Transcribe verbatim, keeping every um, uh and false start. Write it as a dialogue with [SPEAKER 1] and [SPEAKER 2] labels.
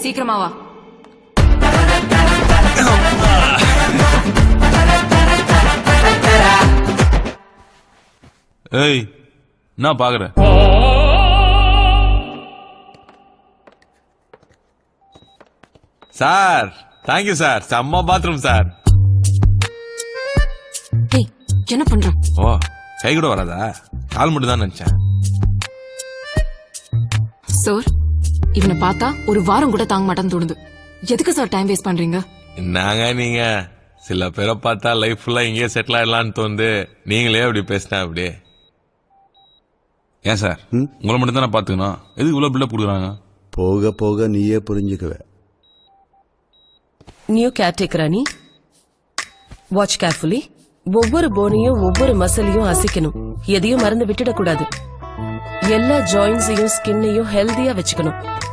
[SPEAKER 1] சீக்கிரமா வா.
[SPEAKER 2] ஏய் நான் பாக்குற சார். Thank you sir. செம்ம பாத்ரூம் சார்.
[SPEAKER 1] ஏய் என்ன பண்ற?
[SPEAKER 2] ஓ கை கூட வராதா? கால் மட்டும் தான் நினைச்சேன்.
[SPEAKER 1] சார் இவனை பார்த்தா ஒரு வாரம் கூட தாங்க மாட்டான்னு தோணுது. எதுக்கு சார் டைம் வேஸ்ட் பண்றீங்க?
[SPEAKER 2] என்னங்க நீங்க சில பேரை பார்த்தா லைஃப் ஃபுல்லா இங்கேயே செட்டில் ஆயிடலான்னு தோணுது. நீங்களே அப்படி பேசினா அப்படி ஏன் சார்? உங்களை மட்டும் தானே பாத்துக்கணும். எதுக்கு இவ்வளவு பில்டப் கொடுக்குறாங்க?
[SPEAKER 3] போக போக நீயே புரிஞ்சுக்குவ.
[SPEAKER 4] நியூ கேர்டேக்கரா நீ? Watch carefully. ஒவ்வொரு போனையும் ஒவ்வொரு மசிலையும் அசைக்கணும். எதையும் மறந்து விட்டுடக்கூடாது. எல்லா ஜாயின்ஸையும் ஸ்கின்னையும் ஹெல்தியா வச்சுக்கணும்.